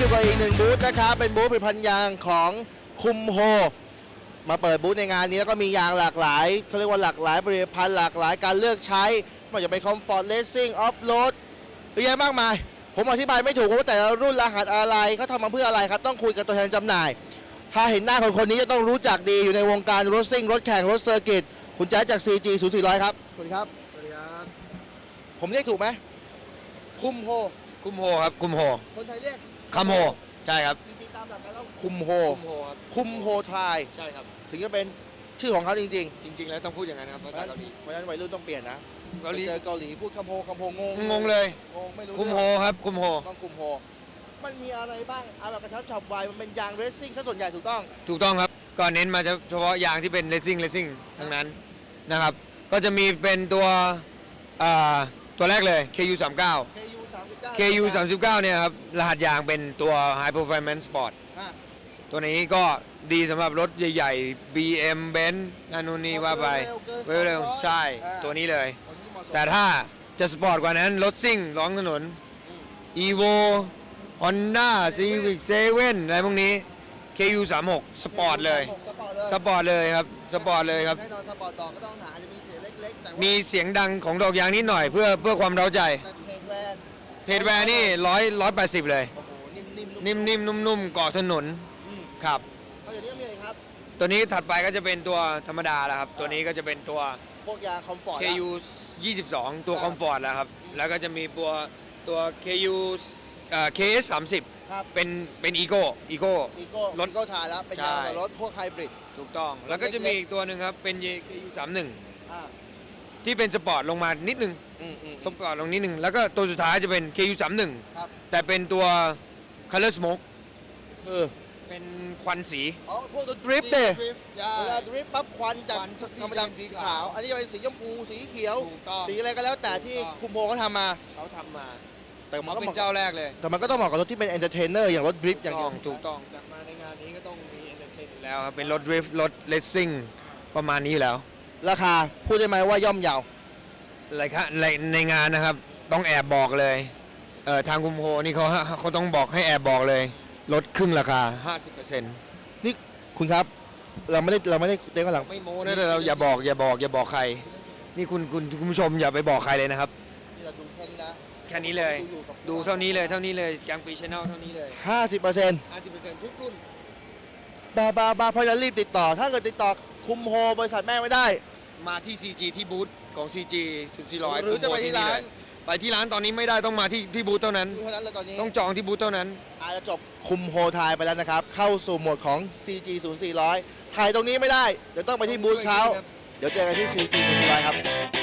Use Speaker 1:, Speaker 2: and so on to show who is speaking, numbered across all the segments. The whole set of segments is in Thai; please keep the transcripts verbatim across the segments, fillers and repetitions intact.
Speaker 1: อยู่กับอีกหนึ่งบูธนะครับเป็นบูธผลิตภัณฑ์ยางของคุมโฮมาเปิดบูธในงานนี้แล้วก็มียางหลากหลายเขาเรียกว่าหลากหลายผลิตภัณฑ์หลากหลายการเลือกใช้ไม่ว่าจะเป็นคอมฟอร์ตเลสซิ่งออฟโรดเยอะแยะมากมายผมอธิบายไม่ถูกว่าแต่ละรุ่นรหัสอะไรเขาทำมาเพื่ออะไรครับต้องคุยกับตัวแทนจำหน่ายถ้าเห็นหน้าคนคนนี้จะต้องรู้จักดีอยู่ในวงการรถซิ่งรถแข่งรถเซอร์กิตคุณแจ๊สจาก ซี จี ศูนย์ สี่ร้อยครับสวัสดีครับ
Speaker 2: สวัสดีครับ
Speaker 1: ผมเรียกถูกไหมคุมโฮ
Speaker 2: คุมโฮครับคุมโฮ
Speaker 1: คนไทยเรียก
Speaker 2: คัมโฮใช่ครับ
Speaker 1: จริงๆตามหลักการแล้วคุมโฮ
Speaker 2: คุมโฮครับ
Speaker 1: คุมโฮทาย
Speaker 2: ใช่ครับ
Speaker 1: ถึงจะเป็นชื่อของเขาจริง
Speaker 2: ๆจริงๆแล้วต้องพูดอย่างนั้นครับภาษาเกาหลี
Speaker 1: เพราะฉะนั้นวัยรุ่นต้องเปลี่ยนนะ
Speaker 2: เกาหลี
Speaker 1: เจอเกาหลีพูดคัมโฮคัมโฮงง
Speaker 2: งงเลย
Speaker 1: งงไม่รู้
Speaker 2: คุมโฮครับคุมโฮ
Speaker 1: ต้องคุมโฮมันมีอะไรบ้างเอาแบบกระชับฉับไวมันเป็นยางเรซซิ่งซะส่วนใหญ่ถูกต้อง
Speaker 2: ถูกต้องครับก็เน้นมาเฉพาะยางที่เป็นเรซซิ่งเรซซิ่งทั้งนั้นนะครับก็จะมีเป็นตัวอ่าตัวแรกเลย เค ยู สามสิบเก้า เค ยู สามสิบเก้าเนี่ยครับรหัสยางเป็นตัว High Performance Sport ตัวนี้ก็ดีสำหรับรถใหญ่ๆ บี เอ็ม Benz นั่นนู่นนี่ว่าไปเร็วๆใช่ตัวนี้เลยแต่ถ้าจะสปอร์ตกว่านั้นรถซิ่งร้องถนน Evo Honda Civic เซเว่นอะไรพวกนี้ เค ยู สามสิบหก สปอร์ตเลยสปอร์ตเลยครับสปอร์ตเลยครับ
Speaker 1: แน่นอนสปอร์ตต่อก็ต้องหาจะมีเสียงเล็กๆแต่
Speaker 2: มีเสียงดังของดอกยางนิดหน่อยเพื่อเพื่อความเร้าใจเทรดแวร์นี่ร้อยร้อยแปดสิบเลยนิ่มๆนุ่มๆเกาะถนนครับ
Speaker 1: เอาอย่างนี้มีอะไรครับ
Speaker 2: ตัวนี้ถัดไปก็จะเป็นตัวธรรมดาแล้วครับตัวนี้ก็จะเป็นตัว
Speaker 1: พวกยางคอมฟอร์ต
Speaker 2: เค ยู ยี่สิบสองตัวคอมฟอร์ตแล้วครับแล้วก็จะมีตัวตัว เค ยู เอ่อ เค เอส สามสิบเป็นเป็นอีโก้อีโก้
Speaker 1: อีโก้รถอีโก้ทายแล้วเป็นยางรถพวกไฮบริด
Speaker 2: ถูกต้องแล้วก็จะมีอีกตัวหนึ่งครับเป็น เค ยู สามสิบเอ็ดที่เป็นสปอร์ตลงมานิดนึงสปอร์ตลงนิดนึงแล้วก็ตัวสุดท้ายจะเป็น เค ยู สามสิบเอ็ดแต่เป็นตัว Color Smoke
Speaker 1: คือ
Speaker 2: เป็นควันสี
Speaker 1: อ๋อพวกตัวดริฟต์เนี่ยเวลาดริฟต์ปั๊บควันจากธรรมดาสีขาวอันนี้จะเป็นสีชมพูสีเขียวสีอะไรก็แล้วแต่ที่คุมโฮเขาทำมา
Speaker 2: เขาทำมา
Speaker 1: แต่
Speaker 2: มันก็เป็นเจ้าแรกเลย
Speaker 1: แต่มันก็ต้องเหมาะกับรถที่เป็นเอนเตอร์เทนเนอร์อย่างรถดริฟต์อย่างนี้
Speaker 2: ถูกต้องจากมาในงานนี้ก็ต้องมีเอนเตอร์เทนแล้วครับเป็นรถดริฟต์รถเลสซิ่งประมาณนี้แล้ว
Speaker 1: ราคาพูดได้ไหมว่าย่อมเยา
Speaker 2: อะไรครับในในงานนะครับต้องแอบบอกเลยเอ่อทางคุมโฮนี่เขาเขาต้องบอกให้แอบบอกเลยลดครึ่งราคา ห้าสิบเปอร์เซ็นต์
Speaker 1: นี่คุณครับเราไม่ได้เราไม่ได้เต้นข้างหลัง
Speaker 2: ไม่โม้นะแต่เราอย่าบอกอย่าบอกอย่าบอกใครนี่คุณคุณคุณผู้ชมอย่าไปบอกใครเลยนะครับ
Speaker 1: นี่เราดูแค่นี้นะ
Speaker 2: แค่นี้เลยดูเท่านี้เลยเท่านี้เลยแกงปีชแนลเท่านี้เลย
Speaker 1: ห้าสิบเปอร์เซ็นต์
Speaker 2: ห้าสิบเปอร์เซ็นต์ ทุกรุ่น
Speaker 1: บาบาบาเพราะฉะนั้นรีบติดต่อถ้าเกิดติดต่อคุมโฮบริษัทแม่ไม่ได้
Speaker 2: มาที่ ซี จี ที่บูธของ ซี จี ศูนย์ สี่ร้อย
Speaker 1: หรือจะไปที่ร้าน
Speaker 2: ไปที่ร้านตอนนี้ไม่ได้ต้องมาที่ที่บูธเท่านั้น
Speaker 1: เท่านั้นเลยตอนนี้
Speaker 2: ต้องจองที่บูธเท่านั้น
Speaker 1: อาจจะจบคุมโฮทายไปแล้วนะครับเข้าสู่โหมดของ ซี จี ศูนย์ สี่ร้อยถ่ายตรงนี้ไม่ได้เดี๋ยวต้องไปที่บูธเขาเดี๋ยวเจอกันที่ ซี จี ศูนย์ สี่ร้อยครับ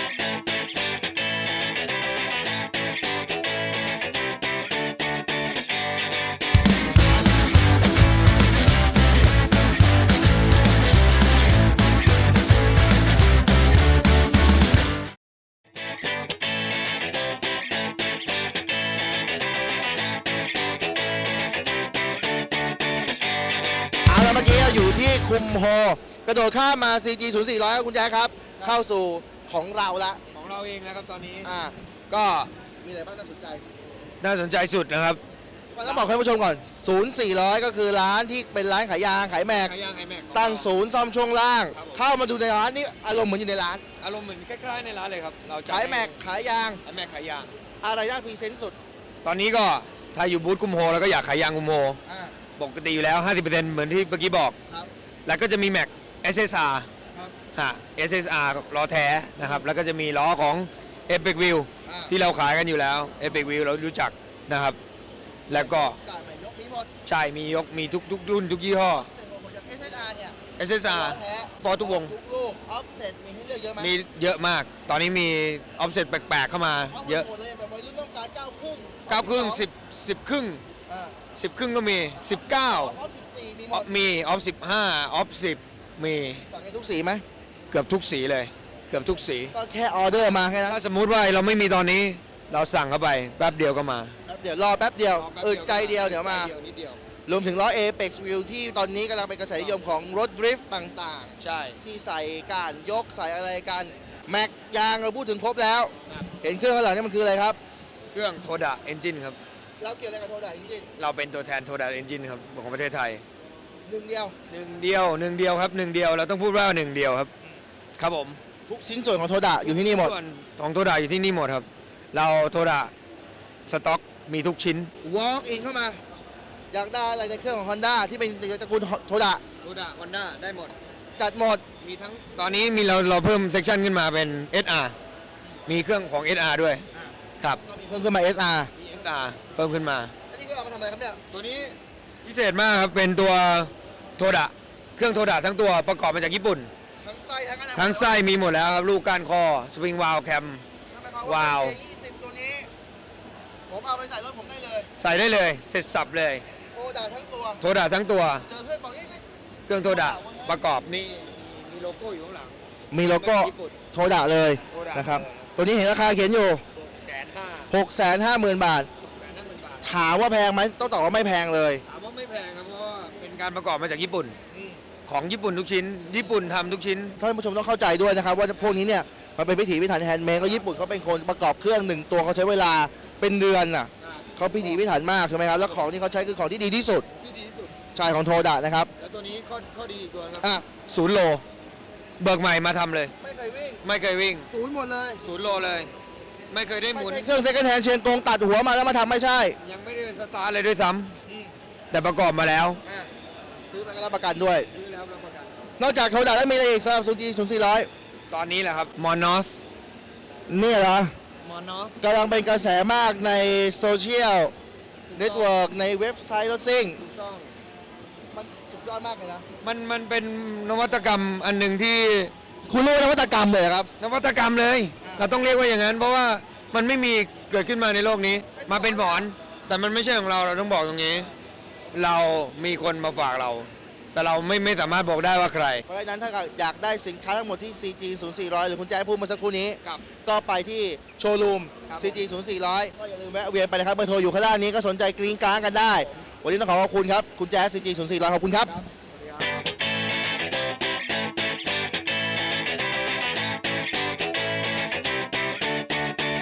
Speaker 1: เมื่อกี้เราอยู่ที่คุมโฮกระโดดข้ามมา ซี จี ศูนย์ สี่ร้อยคุณแจ๊คครับเข้าสู่ของเราละ
Speaker 2: ของเราเองนะครับตอนนี้
Speaker 1: อ่า
Speaker 2: ก็
Speaker 1: มีอะไรบ้างน่าสนใจ
Speaker 2: น่าสนใจสุดนะครับ
Speaker 1: ต้องบอกให้ผู้ชมก่อนศูนย์ สี่ร้อยก็คือร้านที่เป็นร้านขายยางขายแม็กตั้งศูนย์ซ่อมช่วงล่างเข้ามาดูในร้านนี่อารมณ์เหมือนอยู่ในร้าน
Speaker 2: อารมณ์เหมือนคล้ายๆในร้านเลยครับเรา
Speaker 1: ขายแม็กขายยาง
Speaker 2: ขายแม็กขายยาง
Speaker 1: อะไรน่าพรีเซนต์สุด
Speaker 2: ตอนนี้ก็ถ้าอยู่บูธคุมโฮแล้วก็อยากขายยางคุมโฮปกติอยู่แล้ว ห้าสิบเปอร์เซ็นต์ เหมือนที่เมื่อกี้บอกแล้วก็จะมีแม็ก เอส เอส อาร์ ฮะ เอส เอส อาร์ ล้อแท้นะครับแล้วก็จะมีล้อของ Epic Wheel ที่เราขายกันอยู่แล้ว Epic Wheel เรารู้จักนะครับแล้วก็ใช่มียกมีทุกทุกรุ่นทุกยี่ห้อ
Speaker 1: เอส เอส อาร์ เนี่ย
Speaker 2: เอส เอส อาร์ ฟอร์ทุกวง
Speaker 1: ทุกลูกออฟเซ็ตมีให้เลือกเยอะไหม
Speaker 2: มีเยอะมากตอนนี้มีออฟเซ็ตแปลกๆเข้ามาเยอะ
Speaker 1: แบบวัยรุ่นต้องการเก้าครึ่ง
Speaker 2: เก้าครึ่งสิบ สิบครึ่งสิบครึ่งก็มีสิบเก้ามีออฟสิบห้าออฟสิบมี
Speaker 1: สั่งให้ทุกสีไหม
Speaker 2: เกือบทุกสีเลยเกือบทุกสี
Speaker 1: ก็แค่ออเดอร์มาแค่นั้น
Speaker 2: ถ้าสมมุติว่าเราไม่มีตอนนี้เราสั่งเข้าไปแป๊บเดียวก็มา
Speaker 1: แป๊บเดียวรอแป๊บเดียวอึดใจเดียวเดี๋ยวมารวมถึงล้อ Apex Wheel ที่ตอนนี้กำลังเป็นกระแสนิยมของรถดริฟต์ต่าง
Speaker 2: ๆใช่
Speaker 1: ที่ใส่การยกใส่อะไรกันแม็กยางเราพูดถึงครบแล้วเห็นเครื่องข้างหลังนี่มันคืออะไรครับ
Speaker 2: เครื่องโทดะเอนจินครับ
Speaker 1: โเราเกี่ยวอะไรกับโทดะจริง
Speaker 2: เราเป็นตัวแทนโทดาเอนจินครับของประเทศไทย
Speaker 1: ๆหนึ่งเดียว
Speaker 2: หนึ่งเดียวหนึ่งเดียวครับหนึ่งเดียวเราต้องพูดว่าหนึ่งเดียวครับ ครับผม
Speaker 1: ทุกชิ้นส่วนของโทดะอยู่ที่นี่หมด
Speaker 2: ส่วนของโทดาอยู่ที่นี่หมดครับ เราโทดาสต็อกมีทุกชิ้น
Speaker 1: walk in เข้ามา อยากได้อะไรในเครื่องของ Honda ที่เป็นตระกูลโทดะ
Speaker 2: โทดาฮอนด้าได้หมด
Speaker 1: จัดหมด
Speaker 2: มีทั้งตอนนี้มีเราเราเพิ่มเซกชันขึ้นมาเป็น เอส อาร์ มีเครื่องของ เอส อาร์ ด้วยครับ
Speaker 1: ก็มีเพิ่มขึ้นมา เอส อาร์
Speaker 2: มี เอส อาร์ เพิ่มขึ้นมา
Speaker 1: อันนี้ก็เอามาทำอะไรครับเนี่ย
Speaker 2: ตัวนี้พิเศษมากครับ เป็นตัวโทดะเครื่องโทดะทั้งตัวประกอบมาจากญี่ปุ่น
Speaker 1: ทั้งไส้ทั้งอะไร
Speaker 2: ทั้งไส้มีหมดแล้วครับ ลูกก้านคอ สปริงวาลแคม วาว
Speaker 1: ยี่สิบตัวนี้ ผมเอาไปใส่รถผมได้เลย
Speaker 2: ใส่ได้เลย เสร็จสับเลย
Speaker 1: โทดะทั้งตัว
Speaker 2: โทดะทั้งตัว
Speaker 1: เจอเพื่อนบอกนี่
Speaker 2: เครื่องโทดะประกอบนี่มีโลโก้อยู่ข้างหลัง
Speaker 1: มีโลโก้
Speaker 2: ญี่ปุ่น
Speaker 1: โทดะเลย
Speaker 2: โทดะ
Speaker 1: นะครับ
Speaker 2: เลย
Speaker 1: ตัวนี้เห็นราคาเขียนอยู่
Speaker 2: แสนห้า
Speaker 1: หกแสนห้าหมื่นบาท
Speaker 2: แสนห้าหมื่นบาท
Speaker 1: ถามว่าแพงไหมต้องตอบว่าไม่แพงเลย
Speaker 2: ถามว่าไม่แพงครับเพราะว่าเป็นการประกอบมาจากญี่ปุ่น ของญี่ปุ่นทุกชิ้น ญี่ปุ่นทำทุกชิ้น
Speaker 1: ท่านผู้ชมต้องเข้าใจด้วยนะครับว่าพวกนี้เนี่ยมันเป็นพิถีพิถันแฮนด์เมดก็ญี่ปุ่นเขาเป็นคนประกอบเครื่องหนึ่งตัวเขาใช้เวลาเป็นเดือนน่ะเขาพิถีพิถันมากใช่ไหมครับแล้วของที่เขาใช้คือของที่ดีที่สุด
Speaker 2: ที่ดีที่สุด
Speaker 1: ใช่ของโทดะนะครับ
Speaker 2: แล้วตัวนี้ข้อข้อดีอีกตัวนะครั
Speaker 1: อ่ะ
Speaker 2: ศูนย์โล เบิกใหม่มาทำเลย
Speaker 1: ไม่เคยวิ่ง
Speaker 2: ไม่เคยวิ่ง
Speaker 1: ศูนย์หมดเลย
Speaker 2: ศูนย์โลเลย ไม่เคยได้ห
Speaker 1: ไม่
Speaker 2: มุน
Speaker 1: ใช่เครื่องเซ็ก n d แฮนด์เชียงกงตัดหัวมาแล้วมาทำไม่ใช่
Speaker 2: ยังไม่ได้สตาร์ทเลยด้วยซ้ำแต่ประกอบมาแล้ว
Speaker 1: อ่ะซื้อไปก็รับประกันด้วย
Speaker 2: ซื้อแล้วรับประกัน
Speaker 1: นอกจากโทดะแล้วมีอะไรอีกสำหรับซูจีศูนย์สี่ร้อย
Speaker 2: ตอนนี้แหละครับมอนอส
Speaker 1: นี่เหรอ
Speaker 2: มอนอส
Speaker 1: กำลังเป็นกระแสมากในโซเชียลเน็ตเวิร์กในเว็บไซต์รถซิ่ง
Speaker 2: ถูกต้อง
Speaker 1: มันสุดยอดมากเลยนะ
Speaker 2: มันมันเป็นนวัตกรรมอันหนึ่งที่
Speaker 1: คุณรู้นวัตกรรมเลยเหรอครับ
Speaker 2: นวัตกรรมเลย
Speaker 1: อ่า
Speaker 2: เราต้องเรียกว่าอย่างนั้น เพราะว่ามันไม่มีเกิดขึ้นมาในโลกนี้ มาเป็นหมอน แต่มันไม่ใช่ของเรา เราต้องบอกตรงนี้ เรามีคนมาฝากเรา แต่เราไม่ไม่สามารถบอกได้ว่าใคร
Speaker 1: เพราะฉะนั้นถ้าอยากได้สินค้าทั้งหมดที่ ซี จี ศูนย์สี่ร้อย หรือคุณแจ๊คพูดเมาสักครู่นี้
Speaker 2: ครับ
Speaker 1: ก็ไปที่โชว์รูม
Speaker 2: ครับ
Speaker 1: ซี จี ศูนย์สี่ร้อย ก็อย่าลืมแวะเวียนไปนะครับเบอร์โทรอยู่ข้างล่างนี้ก็สนใจกรี๊งกร้างกันได้ วันนี้ต้องขอขอบคุณครับ คุณแจ๊ค ซี จี ศูนย์สี่ร้อย ขอบคุณครับ